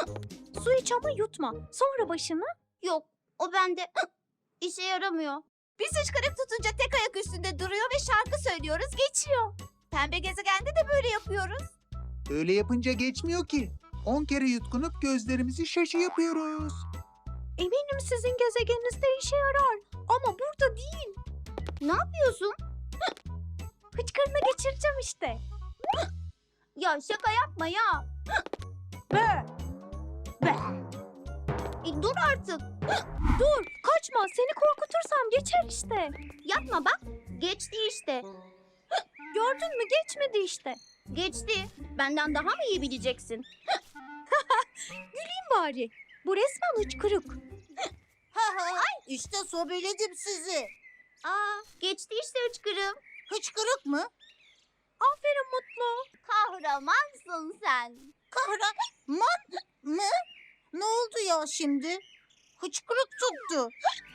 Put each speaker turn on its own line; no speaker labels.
Su iç ama yutma. Sonra başını.
Yok, o bende işe yaramıyor.
Biz hıçkırık tutunca tek ayak üstünde duruyor ve şarkı söylüyoruz, geçiyor. Pembe gezegende de böyle yapıyoruz.
Öyle yapınca geçmiyor ki. 10 kere yutkunup gözlerimizi şaşı yapıyoruz.
Eminim sizin gezegeninizde işe yarar. Ama burada değil.
Ne yapıyorsun?
Hıçkırını geçireceğim işte.
Ya şaka yapma ya.
Be! Be!
Dur artık.
Dur, kaçma. Seni korkutursam geçer işte.
Yapma bak. Geçti işte.
Gördün mü? Geçmedi işte.
Geçti. Benden daha mı iyi bileceksin?
Güleyim bari. Bu resmen hıçkırık.
İşte sobeledim sizi.
Aa, geçti işte hıçkırığım.
Hıçkırık mı?
Aferin Mutlu.
Kahramansın sen.
Kahraman mı? Ne oldu ya şimdi? Hıçkırık tuttu.